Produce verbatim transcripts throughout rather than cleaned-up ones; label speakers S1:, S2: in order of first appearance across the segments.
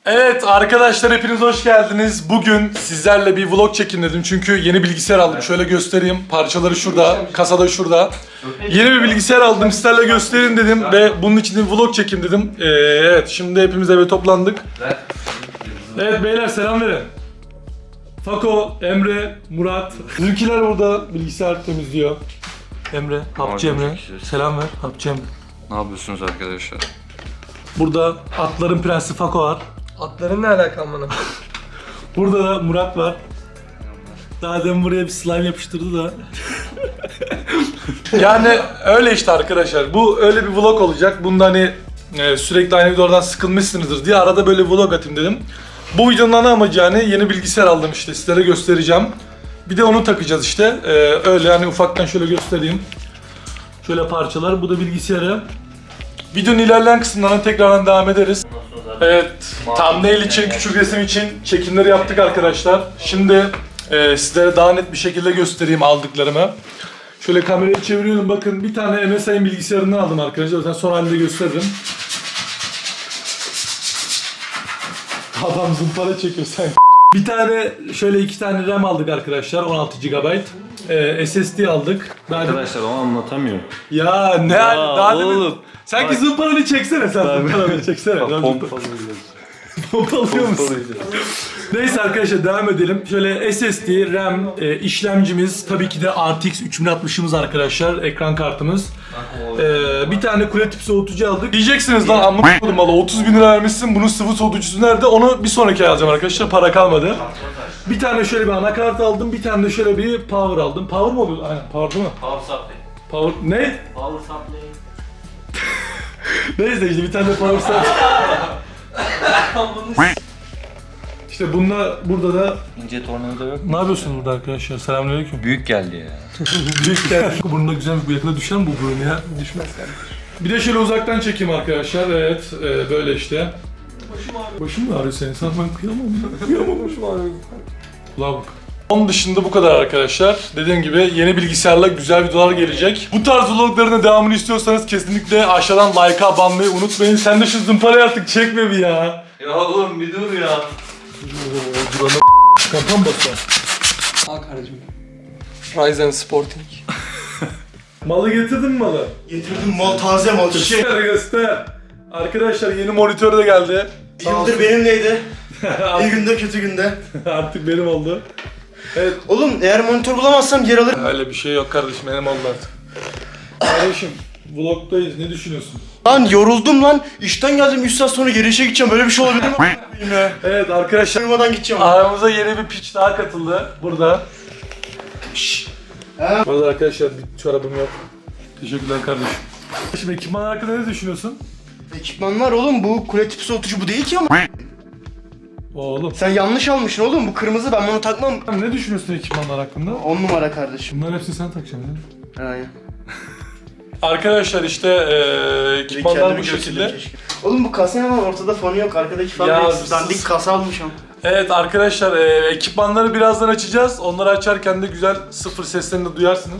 S1: Evet arkadaşlar hepiniz hoş geldiniz. Bugün sizlerle bir vlog çekin dedim çünkü yeni bilgisayar aldım. Şöyle göstereyim. Parçaları şurada, kasada şurada. Yeni bir bilgisayar aldım, sizlerle göstereyim dedim ve bunun için bir vlog çekin dedim. Ee, evet şimdi hepimiz eve toplandık. Evet beyler selam verin. Fako, Emre, Murat. Bizimkiler burada bilgisayar temizliyor. Emre, Hapçı Emre. Selam ver Hapçı Emre.
S2: Ne yapıyorsunuz arkadaşlar?
S1: Burada atların prensi Fako var.
S3: Atların ne alakam bana?
S1: Burada da Murat var. Daha demin buraya bir slime yapıştırdı da. Yani öyle işte arkadaşlar. Bu öyle bir vlog olacak. Bunda hani e, sürekli aynı videolardan sıkılmışsınızdır diye arada böyle bir vlog atayım dedim. Bu videonun ana amacı yani yeni bilgisayar aldım işte sizlere göstereceğim. Bir de onu takacağız işte. E, öyle hani ufaktan şöyle göstereyim. Şöyle parçalar. Bu da bilgisayarı. Videonun ilerleyen kısımlarına tekrardan devam ederiz. Evet, thumbnail için, küçük resim için çekimleri yaptık arkadaşlar. Şimdi e, sizlere daha net bir şekilde göstereyim aldıklarımı. Şöyle kamerayı çeviriyorum, bakın bir tane M S I'nin bilgisayarından aldım arkadaşlar. Zaten son halinde gösteririm. Adam zımpara çekiyor sen. Bir tane, şöyle iki tane RAM aldık arkadaşlar, on altı gigabayt. Ee, S S D aldık. Daha
S2: Arkadaşlar o anlatamıyor.
S1: Ya ne
S2: Ya
S1: daha
S2: oğlum.
S1: demin... Sanki zımparanı çeksene sen, zımparanı çeksene.
S2: Pompalıyacağız.
S1: Pompalıyor musun? Neyse arkadaşlar devam edelim. Şöyle S S D, RAM, e, işlemcimiz, tabii ki de R T X üç bin altmışımız arkadaşlar, ekran kartımız. E, bir tane kule tip soğutucu aldık. Diyeceksiniz lan amma koydum valla otuz bin lira vermişsin, bunun sıvı soğutucusu nerede? Onu bir sonraki ay alacağım arkadaşlar, para kalmadı. Bir tane şöyle bir anakart aldım, bir tane de şöyle bir power aldım. Power mı oluyor? Aynen power değil mi?
S4: Power supply.
S1: Power ne?
S4: Power supply.
S1: Neyse işte bir tane de power supply. İşte bunlar burada da
S2: İnce tornavida yok.
S1: ne yapıyorsunuz burada arkadaşlar? Selamünaleyküm.
S2: Büyük geldi ya.
S1: Büyük geldi. Burnunda güzel bir yakında düşer mi bu burun ya? Düşmez yani. Bir de şöyle uzaktan çekeyim arkadaşlar. Evet, e, böyle işte. Başım ağrıyor. Başım mı ağrıyor senin? Sen ben kıyamam ya. Kıyamam başım ağrıyor. Kulağa bak. Onun dışında bu kadar arkadaşlar. Dediğim gibi yeni bilgisayarla güzel videolar gelecek. Bu tarz vlogların da devamını istiyorsanız kesinlikle aşağıdan like'a abanmayı unutmayın. Sen de şu zımparayı artık çekme bir ya.
S4: Ya oğlum bir dur ya.
S1: Durana kapan basar.
S3: Al kardeşim. Ryzen Sporting.
S1: Malı getirdin mi malı?
S5: Getirdim mal, taze mal, çiçek.
S1: Göster göster. Arkadaşlar yeni monitör de geldi.
S5: Bir yıldır benimleydi. İyi günde kötü günde.
S1: Artık benim oldu. Evet.
S5: Oğlum eğer monitör bulamazsam yer alırım.
S1: Öyle bir şey yok kardeşim, benim oldu artık. Kardeşim, vlogdayız, ne düşünüyorsun?
S5: Lan yoruldum lan. İşten geldim üç saat sonra geri işe gideceğim. Böyle bir şey olabilir mi? Yine.
S1: Evet arkadaşlar,
S5: Uyumadan gideceğim.
S1: aramıza yeni bir piç daha katıldı burada. Şşş.
S5: Ha?
S1: Bu arada arkadaşlar bir çorabım yok. Teşekkürler kardeşim. Şimdi ekipman hakkında ne düşünüyorsun?
S5: Ekipmanlar oğlum, bu kule tipi soğutucu bu değil ki ama.
S1: Oğlum.
S5: Sen yanlış almışsın oğlum, bu kırmızı, ben bunu takmam.
S1: Ne düşünüyorsun ekipmanlar hakkında?
S5: On numara kardeşim.
S1: Bunların hepsini sen takacaksın değil mi?
S5: Aynen.
S1: Arkadaşlar işte eee ekipmanlar
S5: Kendimi
S1: bu şekilde.
S5: göstereyim keşke. Oğlum bu kasa ne var, ortada fonu yok, arkadaki fan
S1: Ya,
S5: eksik. Dandik kasa almışım.
S1: Evet arkadaşlar eee, ekipmanları birazdan açacağız. Onları açarken de güzel sıfır seslerini de duyarsınız.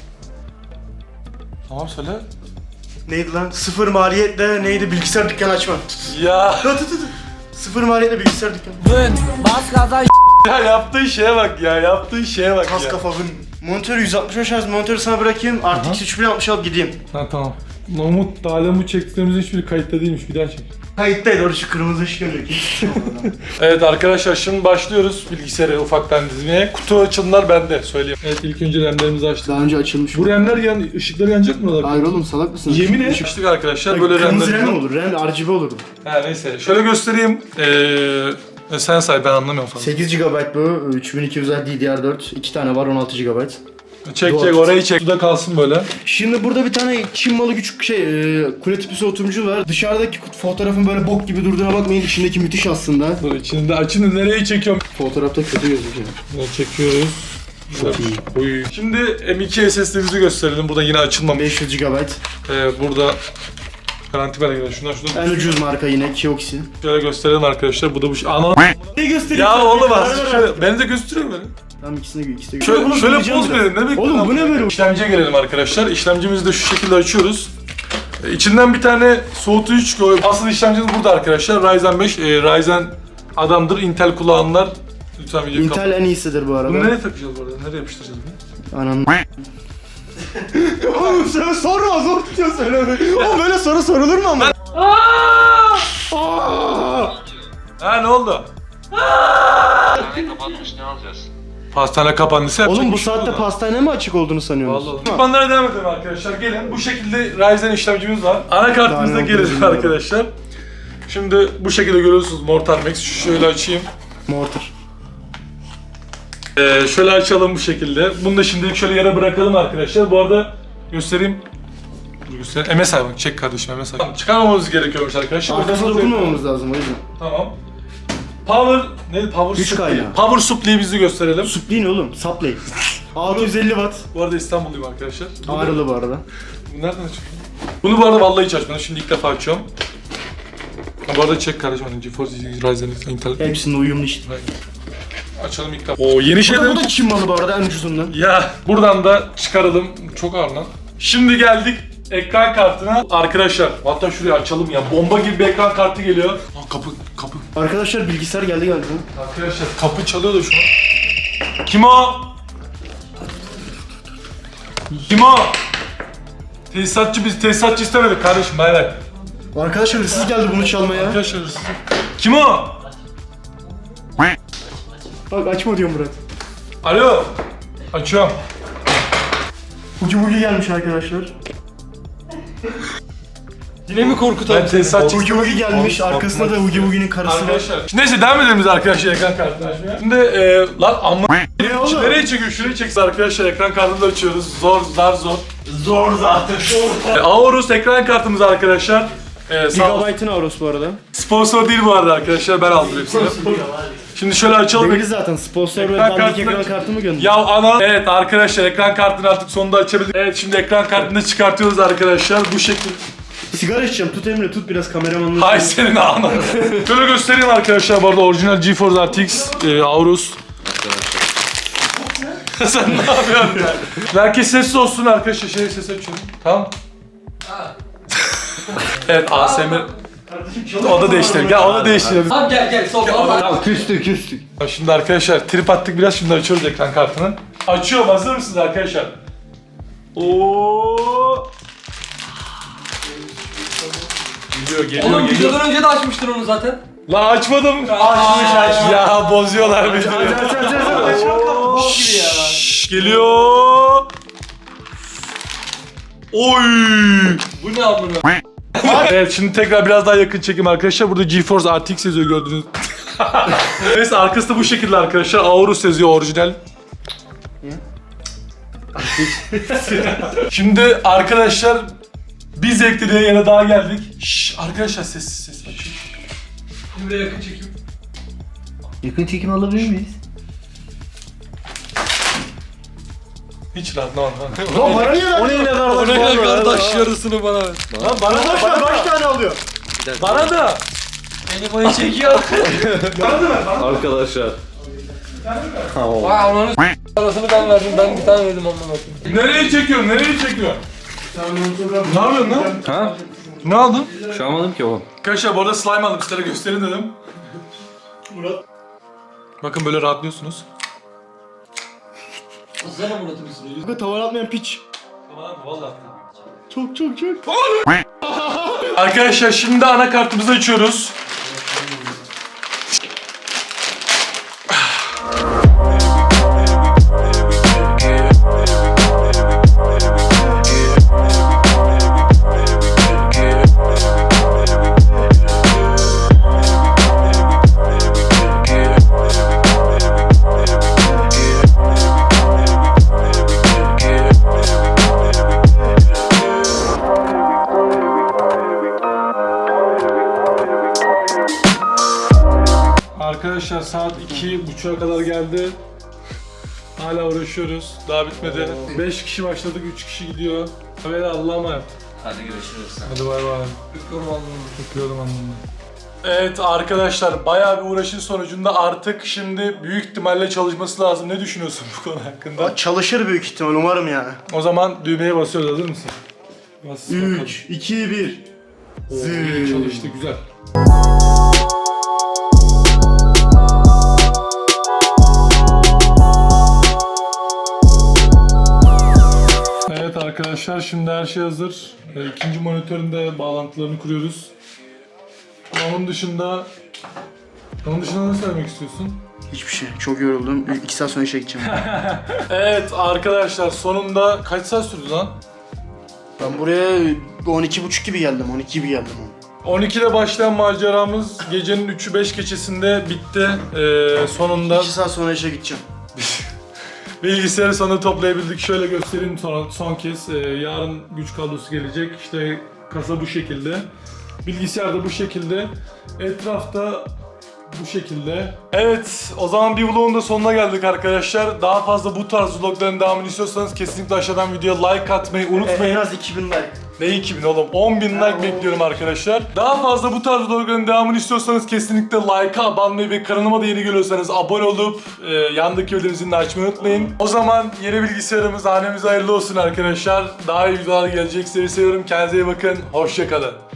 S1: Tamam söyle.
S5: Neydi lan? Sıfır maliyetle neydi, bilgisayar dükkanı açma.
S1: Ya.
S5: Tut tut tut. Sıfır maliyetle bilgisayar dükkanı.
S1: Ya yaptığı şeye bak ya, yaptığı şeye bak
S5: Kas
S1: ya.
S5: kafa bın. Monitörü yüz altmış beş Hz monitörü sana bırakayım. R T X üç bin altmış alıp gideyim.
S1: Ha tamam. Lan Umut, daha lan bu çektiklerimizin hiçbiri kayıtta değilmiş, bir daha çek.
S5: Kayıttaydı, orada şu kırmızı ışık yanıyor.
S1: Evet arkadaşlar şimdi başlıyoruz bilgisayarı ufaktan dizmeye. Kutu açılımlar bende, söyleyeyim. Evet ilk önce RAM'lerimizi açtık.
S5: Daha önce açılmış.
S1: Bu RAM'ler yan, ışıkları yanacak mı oralar?
S5: Hayır oğlum, salak mısın?
S1: Yemin et. Açtık arkadaşlar böyle
S5: Kırmızı
S1: RAM'ler.
S5: RAM olur, RAM R G B olurdu.
S1: Ha neyse, şöyle göstereyim. Ee, sen say, ben anlamıyorum falan.
S5: sekiz gigabayt bu, üç bin iki yüz D D R dört, iki tane var, on altı gigabayt.
S1: Çek
S5: Doğru.
S1: çek, orayı çek. Suda kalsın böyle.
S5: Şimdi burada bir tane Çin malı küçük şey, e, kule tipi soğutucu var. Dışarıdaki fotoğrafın böyle bok gibi durduğuna bakmayın, içindeki müthiş aslında.
S1: Dur içinde açını nereye çekiyorum?
S5: Fotoğrafta kötü gözüküyor.
S1: Bunu çekiyoruz.
S5: Çok iyi.
S1: Uy. Şimdi M iki S S D'mizi gösterelim. Burada yine açılmamış.
S5: beş yüz gigabayt.
S1: Ee, burada garanti belgeleri. Şundan şundan.
S5: En ucuz marka yine Kioxi.
S1: Şöyle gösterelim arkadaşlar. Bu da bu şey. Ana.
S5: Ne göstereyim?
S1: Ya
S5: sana?
S1: oğlum
S5: Karar
S1: az
S5: ver
S1: şöyle.
S5: artık.
S1: Beni de gösteriyor beni.
S5: Tamam, ikisine ikisi de
S1: Şöyle,
S5: Bunu
S1: şöyle
S5: koyacağım
S1: poz
S5: biraz.
S1: verin. Ne bekliyorsun?
S5: Oğlum bu ne böyle?
S1: İşlemciye gelelim arkadaşlar. İşlemcimizi de şu şekilde açıyoruz. E, İçinden bir tane soğutucu çıkıyor. Asıl işlemcimiz burada arkadaşlar. Ryzen beş, e, Ryzen adamdır. Intel kullananlar lütfen videoyu
S5: Intel en iyisidir bu arada.
S1: Bunu nereye takacağız bu arada? Nereye yapıştıracağız bunu?
S5: Ananı. Oğlum sen sorma, zor tutuyor söyleme. Oğlum böyle soru sorulur mu ama?
S1: Ha ne oldu?
S2: Kapatmış ne alacağız?
S1: Pastane kapandıysa yapacak
S5: Oğlum bu
S1: bir şey
S5: saatte
S1: yok.
S5: pastane mi açık olduğunu sanıyorsunuz?
S1: Vallahi. Ekranlara devam edelim arkadaşlar. Gelin bu şekilde Ryzen işlemcimiz var. Anakartımızda
S5: Daha ne
S1: gelelim
S5: olduğunu
S1: arkadaşlar. Şimdi bu şekilde görüyorsunuz Mortar Max. Şöyle açayım.
S5: Mortar.
S1: Ee, şöyle açalım bu şekilde. Bunu da şimdilik şöyle yere bırakalım arkadaşlar. Bu arada göstereyim. Dur göstereyim. M S I bak. Çek kardeşim M S I. Tamam, çıkarmamamız gerekiyormuş arkadaşlar.
S5: Arkasına dokunmamamız lazım o yüzden.
S1: Tamam. Power neydi? Power
S5: Güç
S1: supply.
S5: kaynağı.
S1: Power supply'yi bizi gösterelim.
S5: Sup değil oğlum, supply. altı yüz elli watt.
S1: Bu arada İstanbulluyum arkadaşlar.
S5: Ağrılı bu arada.
S1: Bu nereden açıyor? Bunu bu arada vallahi hiç açmadım. Şimdi ilk defa açıyorum. Ha, bu arada çek kardeşim. Hani GeForce Ryzen Intel.
S5: Hepsinde uyumlu işte.
S1: Açalım ilk defa. Oo yeni
S5: Bu
S1: şeyler.
S5: da, bu da Çin malı bu arada en ucuzundan.
S1: Ya buradan da çıkaralım. Çok ağır lan. Şimdi geldik ekran kartına. Arkadaşlar hatta şurayı açalım ya. Bomba gibi bir ekran kartı geliyor. Aa, kapı kapı.
S5: Arkadaşlar bilgisayar geldi geldi.
S1: Arkadaşlar kapı çalıyor da şu an. Kim o? Kim o? Tesisatçı biz tesisatçı istemedik kardeşim bay bay.
S5: Arkadaşlar hırsız geldi bunu çalmaya.
S1: Arkadaşlar hırsız. Kim o?
S5: Bak açma diyor Murat.
S1: Alo. Açıyorum.
S5: Ucu bucu gelmiş arkadaşlar.
S3: Yine mi korkutalım
S1: Ben
S3: seni?
S1: tesisatçı
S5: Ucu bucu gelmiş, arkasında da Ucu Bucu'nun karısı var.
S1: Arkadaşlar. Şimdi neyse devam edelim biz arkadaşlar ekran kartını açmaya. Şimdi e, lan amma
S5: Ne oğlum?
S1: nereye çekiyor? Şuraya çeksin arkadaşlar ekran kartını da açıyoruz. Zor zar zor.
S4: Zor zaten.
S1: E, Aorus ekran kartımız arkadaşlar. E, sağ olsun.
S5: Gigabyte'ın Aorus bu arada.
S1: Sponsor değil bu arada arkadaşlar ben aldım hepsini. Şimdi şöyle açalım.
S5: Değil zaten sponsor ve
S1: Ekran
S5: dandik
S1: kartını-
S5: ekran kartı mı gönderiyor?
S1: Ya ana. Evet arkadaşlar ekran kartını artık sonunda açabildik. Evet şimdi ekran kartını çıkartıyoruz arkadaşlar bu şekilde.
S5: Sigara içeceğim, tut Emre, tut biraz kameramanlığı.
S1: Hay senin ana. Şöyle göstereyim arkadaşlar bu arada orijinal GeForce R T X e, Aorus. Sen ne yapıyorsun ya? Herkes sessiz olsun arkadaşlar. Şey ses açıyorum. Tamam. Evet A S M R. O da değiştirelim. Gel onu değiştirelim.
S3: Tamam gel gel sol al.
S2: Tamam küstük küstük.
S1: Şimdi arkadaşlar trip attık biraz şimdi açıyoruz ekran kartını. Açıyorum hazır mısınız arkadaşlar? Oo. Geliyor geliyor
S3: Oğlum
S1: geliyor.
S3: videodan önce de açmıştın onu zaten.
S1: La açmadım. Açmış açmış. Ya bozuyorlar bizi.
S3: Bok gibi ya.
S1: Şşş, geliyor. Oy.
S3: Bu ne amına?
S1: Evet şimdi tekrar biraz daha yakın çekim arkadaşlar. Burada GeForce R T X yazıyor gördüğünüz. Neyse arkası da bu şekilde arkadaşlar. Aorus yazıyor orijinal. Şimdi arkadaşlar bir zevkli diye yere daha geldik. Şşş arkadaşlar sessiz sessiz.
S3: Buraya yakın çekim.
S4: Yakın çekim alabilir miyiz?
S1: Hiç rahat ne var lan.
S5: Lan bana niye verdin?
S2: O neyle kardeş?
S3: O ne kardeş yarısını bana ver.
S1: Lan bana da
S5: Arkadaşlar kaç tane alıyor?
S1: bana da.
S3: Beni boya çekiyor.
S1: Bana da ver bana.
S2: Arkadaşlar.
S3: Vay ananı s*** arasını ben verdim. Ben bir tane verdim amına koyayım.
S1: Nereye çekiyorsun? Nereye çekiyorsun? Ne yapıyorsun lan?
S2: Ha?
S1: Ne aldın?
S2: Şu an almadım ki oğlum.
S1: Arkadaşlar bu arada slime aldım sizlere gösterin dedim. Murat. Bakın böyle rahatlıyorsunuz.
S3: Sana Murat'ı bir sürü.
S5: Kanka tavan atmayan piç.
S1: Vallahi.
S5: Çok çok çok.
S1: Arkadaşlar şimdi anakartımızı açıyoruz. Arkadaşlar saat iki buçuğa kadar geldi. Hala uğraşıyoruz. Daha bitmedi. beş kişi başladık, üç kişi gidiyor. Ve Allah'a emanet.
S4: Hadi görüşürüz.
S1: Hadi bay bay.
S3: Öpüyorum Allah'ım.
S1: Öpüyorum anlamında. Evet arkadaşlar bayağı bir uğraşın sonucunda artık şimdi büyük ihtimalle çalışması lazım. Ne düşünüyorsun bu konu hakkında?
S5: Çalışır büyük ihtimal umarım yani.
S1: O zaman düğmeye basıyoruz hazır mısın? Bas bakalım.
S5: üç, iki, bir.
S1: Oo, iyi çalıştı, güzel. Evet arkadaşlar, şimdi her şey hazır. Ee, İkinci monitörün de bağlantılarını kuruyoruz. Onun dışında... Onun dışında ne söylemek istiyorsun?
S5: Hiçbir şey. Çok yoruldum. iki saat sonra işe gideceğim.
S1: Evet arkadaşlar, sonunda kaç saat sürdü lan?
S5: Ben buraya on iki buçuk gibi geldim. on iki gibi geldim.
S1: on ikide başlayan maceramız gecenin üçü beş geçesinde bitti. Ee, sonunda
S5: iki saat sonra işe gideceğim.
S1: bilgisayarı sonunda toplayabildik. Şöyle göstereyim son, son kez. Ee, yarın güç kablosu gelecek. İşte kasa bu şekilde. Bilgisayar da bu şekilde. Etrafta bu şekilde. Evet, o zaman bir vlogun da sonuna geldik arkadaşlar. Daha fazla bu tarz vlogların devamını istiyorsanız kesinlikle aşağıdan videoya like atmayı unutmayın.
S5: En az iki bin like.
S1: Ne iki bin oğlum? on bin like bekliyorum arkadaşlar. Daha fazla bu tarz vlogların devamını istiyorsanız kesinlikle like'a abanmayı ve kanalıma da yeni geliyorsanız abone olup e, yandaki bildirim zilini açmayı unutmayın. O zaman yeni bilgisayarımız hanemize hayırlı olsun arkadaşlar. Daha iyi videolar gelecek. Sizi seviyorum. Kendinize iyi bakın. Hoşça kalın.